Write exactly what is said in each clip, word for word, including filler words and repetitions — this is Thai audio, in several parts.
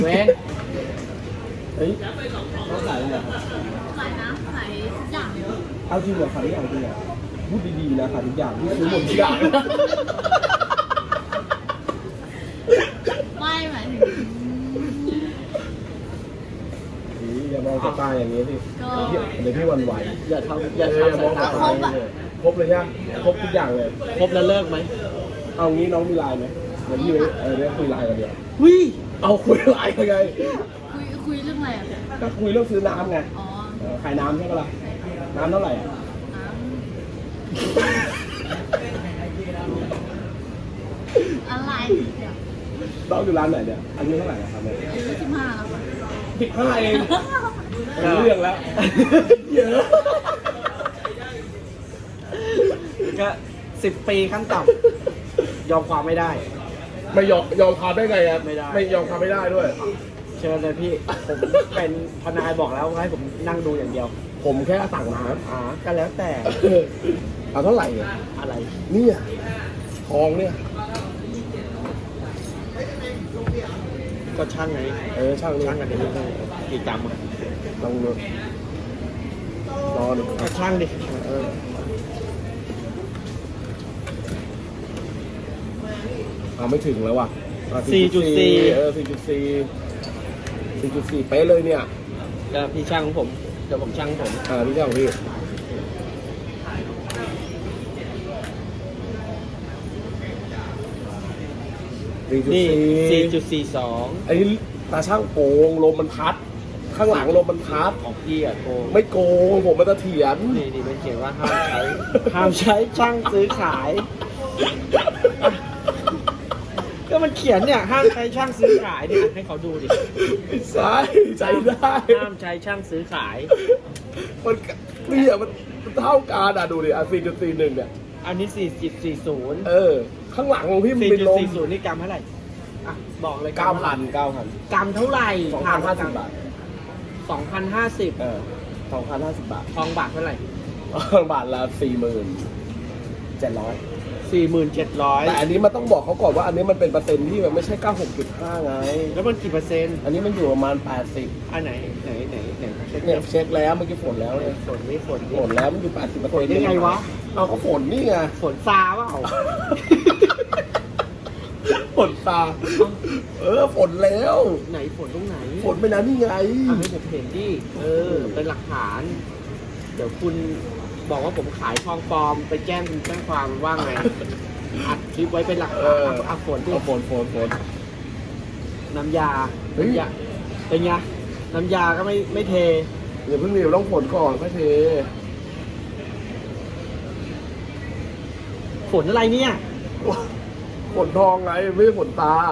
เว้ยเฮ้ยเขาขายอะไรครับขายน้ำขายทุกอย่างเลยเอาจริงเหรอขายทุกอย่างจริงเหรอพูดดีๆนะขายทุกอย่างพี่ซื้อหมดทุกอย่างไม่หมายถึงนี่อย่ามองสายตาอย่างนี้สิก็เดี๋ยวเดี๋ยวพี่หวันไหวอย่าทำอย่าทำสายตาครบอะครบเลยใช่ไหมครบทุกอย่างเลยครบแล้วเลิกไหมเอางี้น้องมีไลน์ไหมเดี๋ยวพี่ไปเออเดี๋ยวคุยไลน์กันเดี๋ยววิเอาคุยไลน์กันไงคุยคุยเรื่องอะไรอ่ะก็คุยเรื่องซื้อน้ำไงอ๋อเออขายน้ำใช่ปะล่ะน้ำเท่าไหร่อ่ะน้ำอะไรเนี่ยน้องอยู่ร้านไหนเนี่ยอายุเท่าไหร่อะครับเนี่ยอายุสิบห้าแล้วค่ะสิบห้าเองเป็นเรื่องแล้วเยอะก็สิบปีขั้นต่ำยอมความไม่ได้ไม่ยอมยอมความได้ไงครับไม่ได้ไม่ยอมความไม่ได้ด้วยเชิญเลยพี่ ผมเป็นทนายบอกแล้วว่าให้ผมนั่งดูอย่างเดียวผมแค่สั่งน้อ่าก็แล้วแต่ำเอาเท่าไหร่เนี่ยอะไรเนี่ยทองเนี่ยก็ช่างไงเออช่างนี่ช่างกันเดี๋ยวนี้กี่กรัมอะลองดูรอดูก็ช่างดิเออเอาไม่ถึงแล้วว่ะอ่ะสี่จุดสี่เออสี่จุดสี่สี่จุดสี่เป๊ะเลยเนี่ยก็พี่ช่างของผมเดี๋ยวผมช่างผมอ่าพี่เจ้าของพี่สี่จุดนี่สี่สี่จุดสี่สองไอ้นี่ตาช่างโกงลมมันพัด ข้างหลังลมมันพัดของพี่อะโกงไม่โกงผมมันจะเถียนนี่นี่มันเขียนว่าห้ามใช้ ห้ามใช้ช่างซื้อขาย ก็มันเขียนเนี่ยห้ามใช้ช่างซื้อขายเนี่ยให้เขาดูดิใช่ใจได้ห้ามใช้ช่างซื้อขายมันเนี่ยมันมันเท่ากันอ่ะดูดิอ่ะสี่จุดสี่หนึ่งเนี่ยอันนี้สี่จุดสี่ศูนย์เออ ข้างหลังของพี่มันสี่เป็นจุดลมสี่ศูนย์นี่กรัมเท่าไหร่อ่ะบอกเลยเก้าพันเก้าพันกรัมเท่าไหร่สองพันห้าสิบบาทสองพันห้าสิบเออสองพันห้าสิบบาททองบาทเท่าไหร่บาทละสี่หมื่นเจ็ดร้อยสี่หมื่นเจ็ดร้อยแต่อันนี้มันต้องบอกเขาก่อนว่าอันนี้มันเป็นเปอร์เซ็นต์ที่มันไม่ใช่เก้าหกจุดห้าไงแล้วมันกี่เปอร์เซ็นต์อันนี้มันอยู่ประมาณแปดสิบอันไหนไหนไหนไหนเช็คเนี่ยเช็คแล้วเมื่อกี้ฝนแล้วเนี่ยฝนไม่ฝนฝนแล้วมันอยู่แปดสิบเปอร์เซ็นต์ได้ไงวะเอาก็ฝนนี่ไงฝนซาเปล่าฝนตา เออฝนแล้วไหนฝนตรงไหนฝนไปนะนี่ไงเอาให้ผมเห็นดิเออ เป็นหลักฐาน เดี๋ยวคุณบอกว่าผมขายทองปลอมไปแจ้งคุณแจ้งความว่าไง อัดคลิปไว้เป็นหลักเอฐานอเอาเอาฝนดิเอาฝนฝนฝนน้ำยาเฮ้ยน้ำยาเป็นไงน้ำยาก็ไม่ไม่เทเดี๋ยวเพิ่งมีต้องฝนก่อนค่อยเทฝนอะไรเนี่ยฝนทองไงไม่ใช่ฝนตา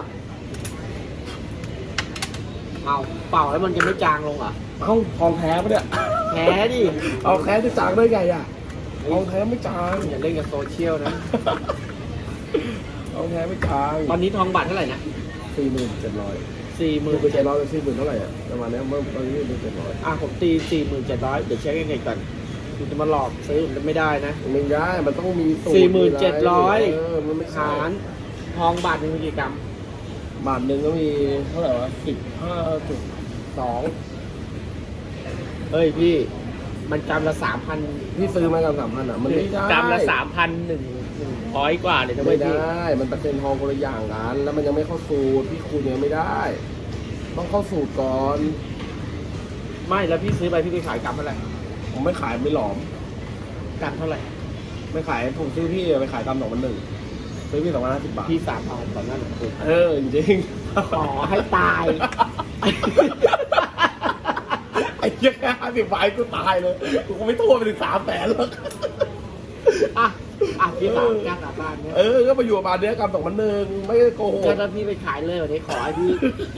เอาเป่าแล้วมันจะไม่จางลงเหรอเอ้าทองแท้ปะเนี่ยแพ้ดิเอาแท้จะจางได้ไงอ่ะทองแท้ไม่จางอย่าเล่นกับโซเชียลนะทองแท้ไม่จางตอนนี้ทองบาทเท่าไหร่นะสี่หมื่นเจ็ดร้อยสี่หมืมื่อน ไปเจ็ดร้อยเป็นสี่หมื่นเท่าไหร่อ่ะประมาณเนี้ยเมื่อตอนนี้เป็นเจ็ดร้อยอ่ะผมตีสี่หมื่นเจ็ดร้อยเดี๋ยวเช็คยังไงก่อนคุณจะมาหลอกซื้อผมจะไม่ได้นะไม่ได้มันต้องมีสูตรสี่หมื่นเจ็ดร้อยเออมันไม่ใช่หารทองบาทหนึ่งมีกี่กรัมบาทหนึ่งก็มีเท่าไหร่วะสิบห้าจุดสองเฮ้ยพี่ มันกรัมละสามพันพี่ซื้อมากันสามพันอ่ะมันไม่ได้กรัมละสามพันหนึ่งหนึ่งร้อยกว่าเลยนะเว้ไม่ยพี่ได้มันเปอร์เซ็นต์ทองคนละอย่างกันแล้วมันยังไม่เข้าสูตรพี่คูณยังไม่ได้ ต้องเข้าสูตรก่อนไม่แล้วพี่ซื้อไปพี่ไปขายกรัมเท่าไหร่ผมไม่ขายไม่หลอมกรัมเท่าไหร่ไม่ขายผมซื้อพี่ไปขายตามสองพันหนึ่งซื้อพี่สองพันห้าสิบบาทพี่สามพันตอนนั้นคุณเออจริงขอให้ตายไอ้เหี้ยแค่ห้าสิบใบกูตายเลยกูคงไม่โทษไปถึงสามแสนหรอกอ่ะอ่ะพี่สามกล้ากลับบ้านเนี่ยเออก็มาอยู่ประมาณเนี้ยกำสองพันหนึ่งไม่ได้โกหกก็ถ้าพี่ไปขายเลยวันนี้ขอให้พี่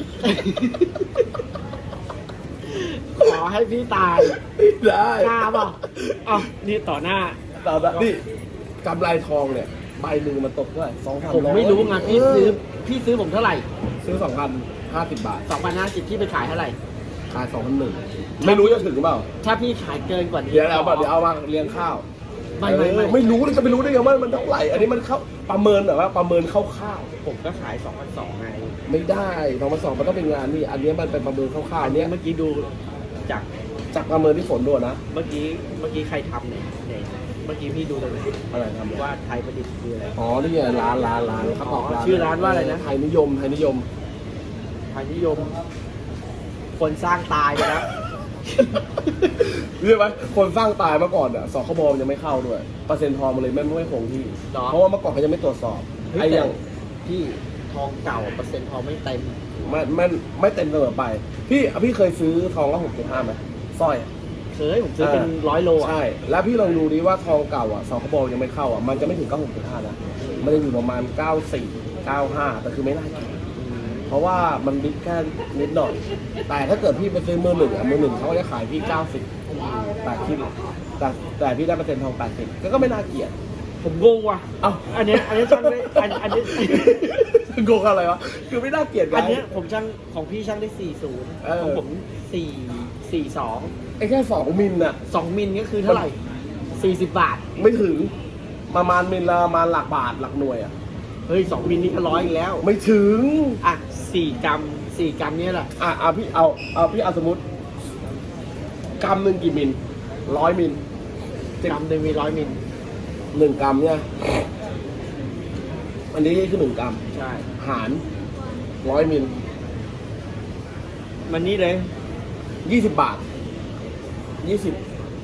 ขอให้พี่ตายได้กล้าเปล่าเอ้านี่ต่อหน้าแต่แบบนี่กำไรทองเนี่ยใบหนึ่งมันตกเท่าไหร่สองพันผมไม่รู้ไงพี่ซื้อ พี่ซื้อผมเท่าไหร่ซื้อสองพันห้าสิบบาทสองพันห้าสิบพี่ไปขายเท่าไหร่ขายสองพันหนึ่งไม่รู้จะถึงหรือเปล่าถ้าพี่ขายเกินกว่านี้เดี๋ยวเอาแบบเดี๋ยวเอามาเลี้ยงข้าวไม่เอไม่อไม่ไม่รู้เลยจะไปรู้ได้ไงว่ามันเท่าไหร่อันนี้มันเข้าประเมินแบบว่าประเมินคร่าวผมก็ขายสองพันสองไงๆไม่ได้สองพันสองมันต้องเป็นงานนี่อันนี้มันเป็นประเมินคร่าวๆอัอันนเนี้เนี้ยยเมื่อกี้ดูจากจากประเมินที่ฝนด้วยนะเมื่อกี้เมื่อกี้ใครทำเนี่ยเนี่ยเมื่อกี้พี่ดูตรงไหนอะไรทำว่าไทยประดิษฐ์คืออะไรอ๋อนี่ไงร้านร้านร้านเขาบอกอ๋อชื่อร้านว่าอะไรนะไทยนิยมไทยนิยมไทยนิยม คนสร้างตายไปแล้วเรียกไหมคนสร้างตายมาก่อนอ่ะสคบมันยังไม่เข้าด้วยเปอร์เซ็นต์ทองมันเลยไม่ไม่คงที่หรอเพราะว่าเมื่อก่อนเขายังไม่ตรวจสอบเฮ้ยไอ้อย่างพี่ทองเก่าเปอร์เซ็นต์ทองไม่เต็มไม่ไม่ไม่เต็มเสมอไป พี่พี่เคยซื้อทองละหกจุดห้าไหมสร้อยอะเคยผมซื้อเป็นร้อยโลอ่ะใช่ แล้วพี่ลองดูดิว่าทองเก่าอ่ะสคบยังไม่เข้าอ่ะมันจะไม่ถึงเก้าหกจุดห้านะมันจะอยู่ประมาณเก้าสี่เก้าห้าแต่คือไม่น่าเกลียดเพราะว่ามันดิฟแค่นิดหน่อย แต่ถ้าเกิดพี่ไปซื้อมือหนึ่งอ่ะมือหนึ่งเขาก็จะขายพี่เก้าสิบแต่คิดแต่แต่พี่ได้เปอร์เซ็นต์ทองแปดสิบก็ไม่น่าเกลียดผมงงว่ะเอ้าอันเนี้ยอันเนี้ยช่างได้อันอันเนี้ยโกงอะไรวะ คือไม่น่าเกลียดไงอันเนี้ยผมช่างของพี่ช่างได้สี่ศูนย์เออของผมสี่สี่สองไอ้แค่สองมิลน่ะสองมิลก็คือเท่าไหร่สี่สิบบาทไม่ถึง ประมาณมิลละประมาณหลักบาทหลักหน่วยอ่ะเฮ้ยสองมิลนี่ก็ร้อยอีกแล้วไม่ถึงอ่ะสี่กรัมสี่กรัมเนี่ยแหละอ่ะเอาพี่เอาเอาพี่เอาสมมติกรัมหนึ่งกี่มิลร้อยมิลกรัมหนึ่งมีร้อยมิลหนึ่งกรัมเนี่ย อันนี้คือหนึ่งกรัมใช่หารร้อยมิลมันนี่เลยยี่สิบบาทยี่สิบ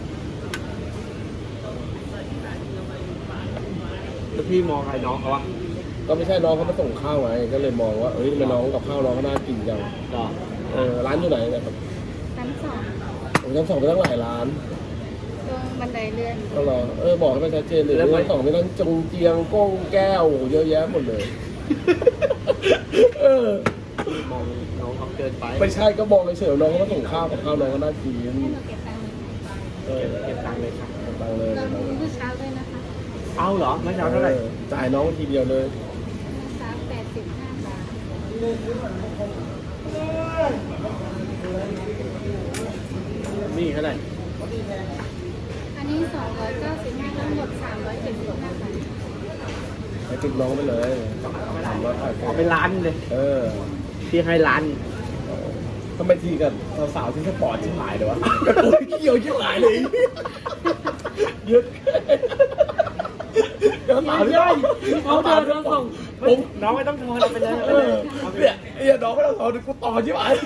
แล้วพี่มองใครน้องเขาวะก็ไม่ใช่น้องเขามาส่งข้าวไงก็เลยมองว่าเอ้ยทำไมน้องกับข้าวน้องเขาน่ากินจังก็เออร้านอยู่ไหนเนี่ยครับชั้นสองผมชั้นสองไปตั้งหลายร้านตรงบันไดเลื่อนก็รอเออบอกให้มันชัดเจนเลยชั้นสองไม่ต้องจงเจียงก้งแก้วเยอะแยะหมดเลย เออมองน้องเขาเกินไปไม่ใช่ก็บอกเฉยๆน้องเขามาส่งข้าวกับข้าวน้องก็น่ากินให้หนูเก็บตังค์เออเก็บตังค์เลยครับตังเลยตอนนี้เมื่อเช้าด้วยนะคะเอาเหรอเมื่อเช้าเท่าไหร่ออจ่ายน้องทีเดียวเลยเมื่อเช้าแปดสิบห้าบาทนี่เท่าไหร่อันนี้สองร้อยเก้าสิบห้าทั้งหมดสามร้อยเจ็ดสิบห้าบาทไปติดน้องไปเลยสามร้อยแปดสิบเอาไปล้านเลยเออพี่ให้ล้านทำไมทีกันสาวๆที่สปอร์ตชิบหายเลยวะกระโดดเกี่ยวชิบหายเลยเยอะเดี๋ยวสาวที่ใช่เขาเดินมาส่งผมน้องไม่ต้องทอนเอาไปเลยเออเนี่ยไอ้เหี้ยน้องไม่ต้องสอนกูต่อชิบหาย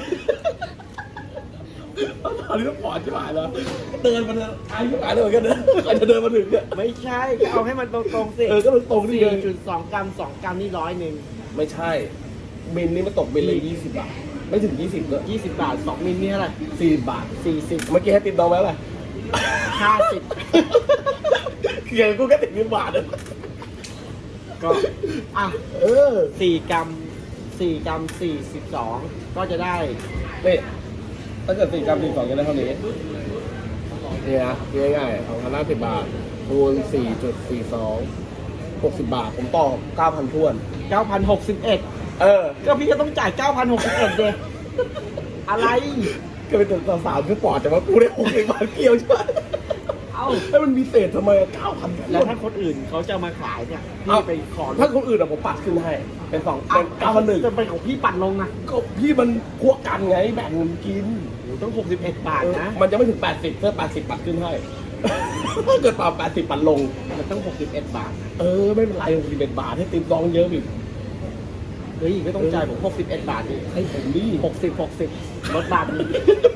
ตอนนี้ต้องปอดชิบหายแล้วเดินมาเลยไอ้ชิบหายเลยเหมือนกันนะใครจะเดินมาถึงเนี่ยไม่ใช่ก็เอาให้มันตรงๆสิเออก็ตรงๆนี่สี่ไงจุดสองกรัมสองกรัมนี่ร้อยหนึ่งไม่ใช่บินนี่มันตกบินเลยยี่สิบบาทไม่ถึงยี่สิบเลยยี่สิบบาทสองมิลนี่เท่าไหร่สี่บาทสี่สิบเมื่อกี้ให้ติดน้องไว้อะไรห้าสิบเขียนกูก็ติดเงินบาทเลยก็อ่ะเออสี่กรัมสี่กรัมสี่สิบสองก็จะได้นี่ถ้าเกิดสี่กรัมสี่สองจะได้เท่านี้นี่นะง่ายๆสองพันห้าสิบบาทคูณสี่จุดสี่สองหกสิบบาท ผมต่อเก้าพันท้วนเก้าพันหกสิบเอ็ดเออก็พี่ก็ต้องจ่ายเก้าพันหกสิบเอ็ดเดอะไรก็เป็นตัวสาวคือปอดแต่ว่ากูได้หกสิบบาทเกี่ยวใช่ไหมเอ้าแล้วมันมีเศษทำไมเก้าพันแล้วถ้าคนอื่นเขาจะมาขายเนี่ยพี่ไปขอถ้าคนอื่นอะผมปัดขึ้นให้ เป็นสองเป็นเก้าพันหนึ่งจะเป็นของพี่ปัดลงนะก็พี่มันพวกกันไงแบ่งเงินกินโอ้ต้องหกสิบเอ็ดบาทนะมันจะไม่ถึงแปดสิบเพื่อแปดสิบปัดขึ้นให้ ถ้าเกิดป่าแปดสิบปัดลงมันต้องหกสิบเอ็ดบาทนะเออไม่เป็นไรหกสิบเอ็ดบาทให้ติดน้องเยอะอีกเฮ้ยก็ต้องจ่ายผมหกสิบเอ็ดบาทดิให้ผมดิหกสิบหกสิบลดบาทนึง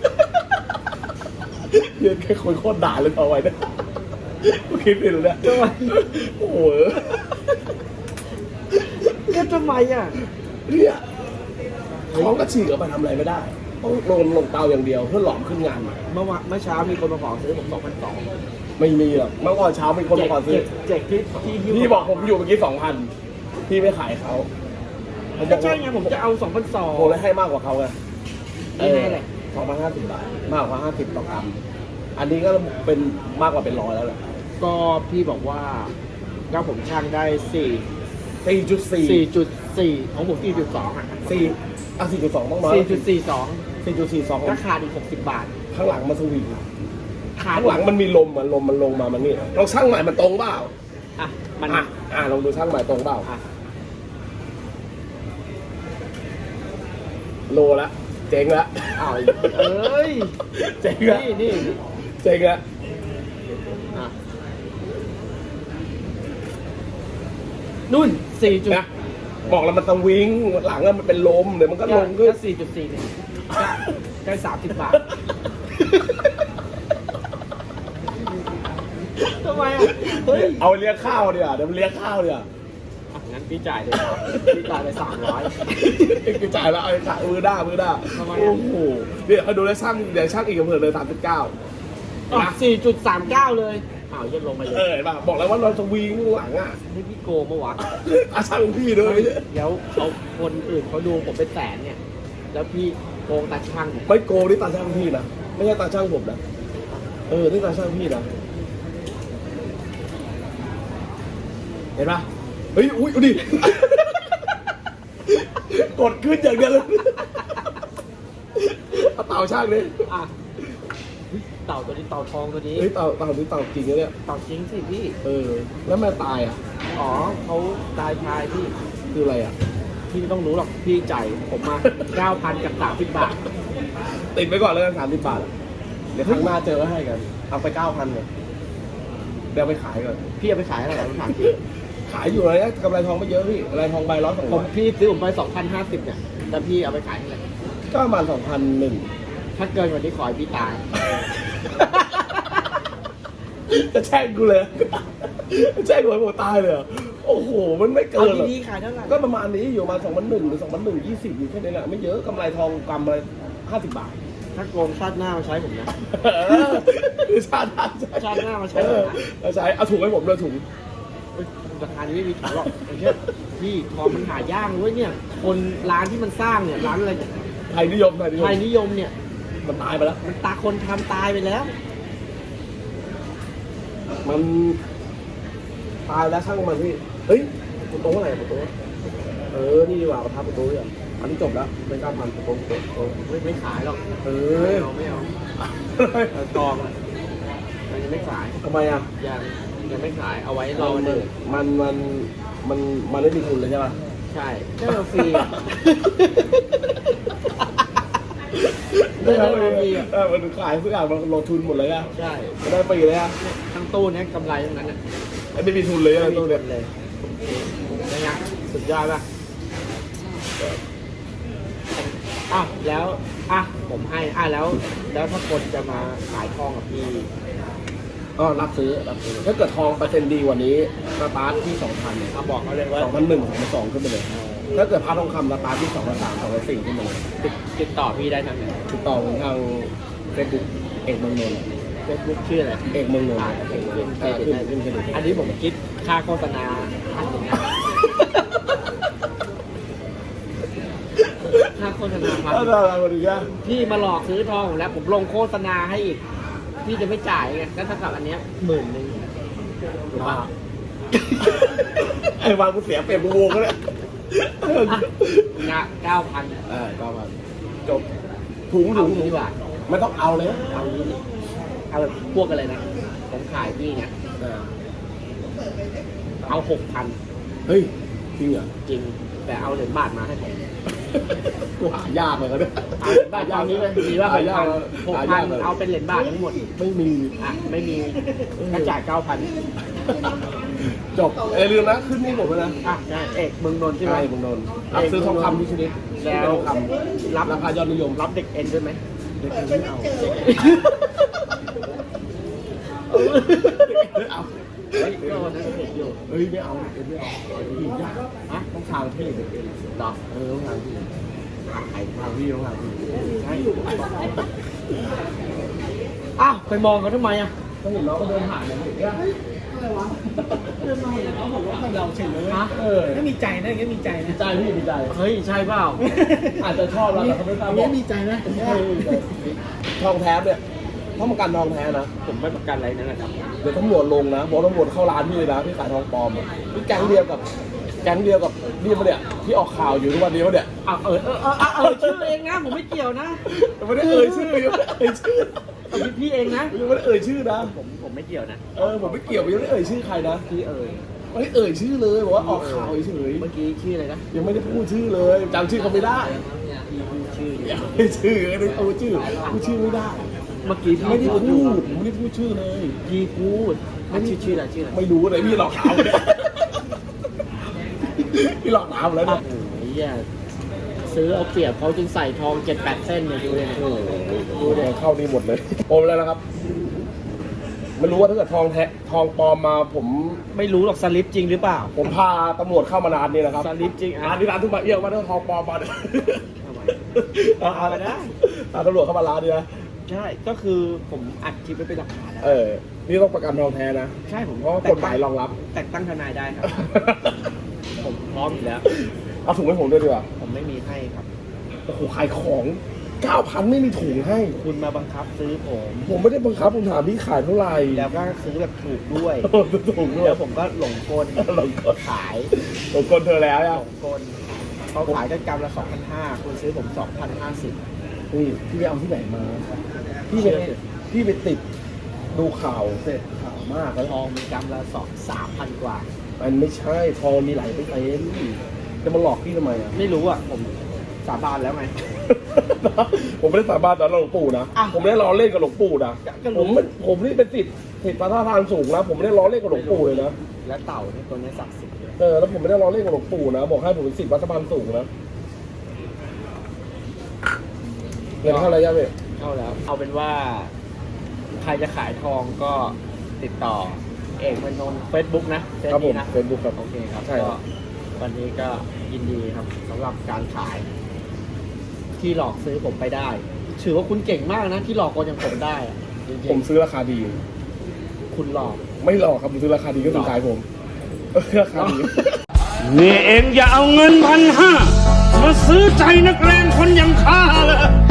เยอะแค่คนโคตรด่าเลยเอาไว้นะกูคิดไปแล้วเนี่ยโอ้โหก็ทำไมอ่ะเนี่ยท้องก็ฉีกออกไปทำอะไรไม่ได้ต้องลงลงเตาอย่างเดียวเพื่อหลอมขึ้นงานใหม่เมื่อวานเมื่อเช้ามีคนมาขอซื้อผมสองพันสองไม่มีหรอกเมื่อก่อนเช้ามีคนมาขอซื้อเจ็กที่ที่ที่พี่บอกผมอยู่เมื่อกี้สองพันพี่ไม่ขายเขาผมบก็อกใช่ไงผมจะเอาสองพันสองผมเลยให้มากกว่าเขาไงนี่ไงแหละสองพันห้าสิบบาทมากกว่าห้าสิบต่อกรัมอันนี้ก็เป็นมากกว่าเป็นร้อยแล้วแหละก็พี่บอกว่าก็ผมช่างได้สี่สี่จุดสี่สี่จุดสี่ของผมสี่จุดสองอ่ะสี่อ่ะสี่จุดสองต้องมาสี่จุดสี่สองสี่จุดสี่สองก็ขาดอีกหกสิบบาทข้างหลังมาสวิงขาดข้างหลังมันมีลมมันลมมันลงมามันนี่ลองช่างใหม่มันตรงเปล่าอ่ะมันอ่ะอ่ะลองดูช่างใหม่ตรงเปล่าอ่ะโลละเจ๋งละอ้าวเอ้ยเจ๋งละนี่นี่เจ๋งละอ่ะนุ่นสี่จุดนะบอกแล้วมันสวิงหลังอะมันเป็นลมเดี๋ยวมันก็ลงขึ้นสี่จุดสี่เนี่ยได้สามสิบบาททำไมอ่ะเฮ้ยเอาเลี้ยงข้าวเดี๋ยวเดี๋ยวมันเลี้ยงข้าวเดี๋ยวอ่ะงั้นพี่จ่ายเลยครับพี่จ่ายไปสามร้อยกูจ่ายแล้วเอาไปขายมือด้ามือด้าทำไมอะโอ้โหเดี๋ยวเขาดูแล้วช่างเดี๋ยวช่างอีกอำเภอเลยสามสิบเก้าสี่จุดสามเก้าเลยอ้าวยันลงไปเลเอย อเห็นป่ะบอกแล้วว่าเราจะวิ่งหลังอ่ะนี่พี่โกงปะวะอาช่างพี่ด้วยเดี๋ยวเขาคนอื่นเขาดูผมเป็นแสนเนี่ย แล้วพี่โกงตาช่างเนี่ยไม่โกงนี่ตาช่างพี่นะไม่ใช่ตาช่างผมนะเออนี่ตาช่างพี่นะเห็นป่ะเฮ้ยอุ้ยดูดิ กดขึ้นอย่างเดียวเลยเอาเต่าช่างดิอ่ะเฮ้ยเต่าตัวนี้เต่าทองตัวนี้เฮ้ยเต่าเต่านี่เต่าจริงนะเนี่ยเต่าจริงสิพี่เออแล้วแม่ตายอ่ะอ๋อเขาตายชายพี่คืออะไรอ่ะพี่ไม่ต้องรู้หรอกพี่จ่ายผมมา เก้าพันกับสามสิบบาทติดไปก่อนแล้วกันสามสิบบาทอะเดี๋ยวครั้งหน้าเจอก็ให้กัน เอาไปเก้าพันเลยเดี๋ยวเอาไปขายก่อนพี่เอาไปขายอะไรผมถามจริงขายอยู่เลยนะกำไรทองไม่เยอะพี่กำไรทองใบร้อยสองผร้มอยพี่ซื้อผมไปสองพันห้าสิบเนี่ยแล้วพี่เอาไปขายเท่าไหร่ก็ประมาณสองพันหนึ่งถ้าเกินกว่านี้ขอให้พี่ตายจะแช่งกูเลยจะแช่งกูให้ผมตายเลยเหรอโอ้โห มันไม่เอาเกินหรอกดีๆขายเท่าไหร่ก็ประมาณนี้อยู่ประมาณสองพันหนึ่งหรือสองพันหนึ่งยี่สิบอยู่แค่นี้แหละไม่เยอะกำไรทองกำไรห้าสิบบาทถ้าโกงชาติหน้ามาใช้ผมนะเออชาติหน้าชาติหน้ามาใช้เอผมอนะเอาใช้เอาถุงให้ผมด้วยถุงเฮ้ยราคานี้ไม่มีขายหรอกไอ้เช่ยพี่ทองมันหายากเลยเนี่ย คนร้านที่มันสร้างเนี่ยร้านอะไรเนี่ยไทยนิยมไทยนิยมไทยนิยมเนี่ยมันตายไปแล้วมันตาคนทำตายไปแล้วมันตายแล้วช่างมันพี่ เฮ้ยประตูอะไรประตูเออ นี่ดีกว่าประทับประตูเนี่ยอันนี้จบแล้วเป็นการพันประตูประตูไม่ไม่ขายหรอกเอไม่อเอาไม่เอาเอาทองอะมันยังไม่ขายทำไมอ่ะยังยังไม่ขายเอาไว้รอวันหนึ่งมันมันมันมันไม่มีทุนเลยใช่ป่ะใช่ได้มาฟรีอะได้ได้ไหมมาฟรีอะเออมันขายทุกอย่างมันลงทุนหมดเลยอ่ะใช่มันได้ฟรีเลยอ่ะทั้งตู้เนี้ยกำไรทั้งนั้นอ่ะไม่มีทุนเลยอะไม่มีตู้เงิเนี่ยนเลยนะฮะสุดยอดป่ะอ้าวแล้วอ่ะผมให้อ่ะแล้ว แล้วถ้าคนจะมาขายทองกับพี่ก็รับซื้อรับซื้อถ้าเกิดทองเปอร์เซ็นต์ดีกว่านี้สตาร์ทที่สองพันเนี่ยเอาบอกเขาเลยว่าสองพันหนึ่งสองพันสองขึ้นไปเลย ถ้าเกิดพาทองคำสตาร์ทที่สองพันสามสองพันสี่ขึ้นมาเลยติดติดต่อพี่ได้ทางไหนติดต่อผมทางเฟซบุ๊กเอกเมืองนนท์เฟซบุ๊กชื่ออะไรเอกเมืองนนท์อ่าเอกเมืองนนท์เออขึ้นขึ้นขึ้นขึ้นอันนี้ผมคิดค่าโฆษณาห้าสิบค่าโฆษณาพันถ้าเราเราดูกันพี่มาหลอกซื้อทองผมแล้ว ผมลงโฆษณาให้อีก พี่จะไม่จ่ายไงแล้วถ้ากับอันเนี้ยหมื่นหนึ่งถูกปะไอ้วางกูเสียเปรียบกูโวงก็เลยงะเก้าพันเออก็มาจบถุงเอาถุงดีกว่าไม่ต้องเอาเลยเอานี้ดิเอาแบบพวกอะไรนะ ผมขายพี่ไงเออเอาหกพันเฮ้ยจริงเหรอจริง แต่เอาเหรียญบาทมาให้ผมกูหายากเลยก็ได้เอาเหรียญบาทตอนนี้เลยดีว่าหหาก ยาพักนเลยหกหาพัยาน กเลยเอาเป็นเหรียญบาททั้งหมดไม่มีอ่ะ ไม่มีก็จ่ายเก้าพันจบเอยลืมนะขึ้นนี่ผมแล้วนะอ่ะใช่เอกเมืองนนท์ใช่ไหมใช่ผมโดนรับซื้อทองคำที่ชนิดแล้วทองคำรับราคายอดนิยมรับเด็กเอ็นด้วยไหมเด็กไม่เอาเด็กไม่เอาเฮ้ยก็วันนั้นเห็นอยู่เฮ้ยไม่เอาเด็กไม่เอาผู้หญิงยากฮะต้องทางเท่เด็กดอกเออต้องทางพี่ขายทางพี่ต้องทางพี่ใช่อ้าวไปมองเขาทำไมอ่ะก็เห็นน้องก็เดินผ่านเนี่ยเห็นไหมเดินมาเห็นเขาบอกว่าเราเฉยเลยฮะเออไม่มีใจนะอย่างเงี้ยมีใจนะใจพี่ดีใจเฮ้ยใช่เปล่าอาจจะชอบเราแต่เขาไม่ตามบเงี้อย กมีใจนะทองแท้เนี่ยถ้าประกันทองแท้นะผมไม่ประกันอะไรนั่นแหละครับเดี๋ยวตำรวจลงนะบอกตำรวจเข้าร้านพี่เลยนะพี่ขายทองปลอมอะนี่แก๊งเดียวกับแก๊งเดียวกับนี่มาเนี่ยที่ออกข่าวอยู่ทุกวันนี้วะเนี่ยอ้าวเออเออเออเออชื่อเองนะผมไม่เกี่ยวนะไม่ได้เอ่ยชื่อยังไม่ได้เอ่ยชื่อเอาพี่พี่เองนะยังไม่ได้เอ่ยชื่อนะผมผมไม่เกี่ยวนะเออผมไม่เกี่ยวยังไม่ได้เอ่ยชื่อใครนะพี่เอ่ยไม่ได้เอ่ยชื่อเลยบอกว่าออกข่าวเฉยเมื่อกี้ชื่ออะไรนะๆยังไม่ได้พูดชื่อเลยจำชื่อเขาไม่ได้พี่พูดชื่ออยู่ยังไม่ได้ชื่อไม่ได้พูดชื่อพูดชื่อไม่ได้เมื่อกี้พี่ไม่ได้พูดอยู่พูดผมไม่ได้พูดชื่อเลยพี่พูดไม่ชื่อชื่ออะไรชื่ออะไรไม่รู้เลยพี่หลอกถามเนี่ยพี่หลอกถามแล้วโอ้เนี่ยโหเหี้ยซื้อเอาเปรียบเขาจนใส่ทองเจ็ดแปดเส้นเนี่ยดูเลยเนี่ยดูเดี๋ยวเข้านี่หมดเลยโอมแล้วนะครับไม่รู้ว่าถ้าเกิดทองแท้ทองปลอมมาผมไม่รู้หรอกสลิปจริงหรือเปล่าผมพาตำรวจเข้ามานานนี่นะครับสลิปจริงร้าอ่ะนที่ร้านทุกบาเอี้ยวมาถ้าทองปลอมมาเนี่ยทำไมเอาเอาไปได้พาตำรวจเข้ามาร้านนี่นะใช่ก็คือผมอัดคลิปไว้เป็นหลักฐานแล้วเออนี่ต้องประกันทองแท้นะใช่ผมเพราะว่ากฎหมายรองรับแต่งตั้งทนายได้ครับ ผมพร้อมอยู่แล้วเอาถุงให้ผมด้วยดีกว่าผมไม่มีให้ครับโอ้โหขายของเก้าพันไม่มีถุงให้คุณมาบังคับซื้อผมผมไม่ได้บังคับผมถามพี่ขายเท่าไหร่แล้วก็ซื้อแบบถูกด้วยถุงด้วยแล้วผมก็หลงกลหลงกลขายผมกลเธอแล้วหอ่ะลงกลเขาขายกันกรัมละสองพันห้าคุณซื้อผมสองพันห้าสิบนี่พี่ไปเอาที่ไหนมา พี่ไปพี่ไปติดดูข่าวเสร็จข่าวมากแล้วทองมีกรัมละสองสามพันกว่ามันไม่ใช่ทองมีหลายไปเต็มจะมาหลอกพี่ทำไมอ่ะไม่รู้อ่ะ ผมสาบานแล้วไงผมไม่ได้สาบานต่อหลวงปู่นะอ่ะผมไม่ได้ล้อเล่นกับหลวงปู่นะก็รู้ผมไม่ผมนี่เป็นสิทธิ์สิทธิ์ประทานสูงนะ ผมไม่ได้ล้อเล่นกับหลวงปู่เลยนะและเต่าเนี่ยตัวนี้ศักดิ์สิทธิ์เลยเออ แล้วผมไม่ได้ล้อเล่นกับหลวงปู่นะ บอกให้ผมเป็นสิทธิ์วัดสะพานสูงนะเงินเท่าไหร่ยะเว้ยเข้าแล้ว เอาเป็นว่า ใครจะขายทองก็ติดต่อ เอกมนนท์เฟซบุ๊กนะเฟซครับผมนี้นะเฟซบุ๊กครับโอเคครับใช่คก็รับวันนี้ก็ยินดีครับสำหรับการขาย ที่หลอกซื้อผมไปได้ ถือว่าคุณเก่งมากนะ ที่หลอกคนอย่างผมได้อะจริงๆผมซื้อราคาดีคุณหลอกไม่หลอกครับผมซื้อราคาดีก็ถึงขายผมเออราคาดีนี่เองอย่าเอาเงินพันห้ามาซื้อใจนักเลงคนอย่างข้าเลย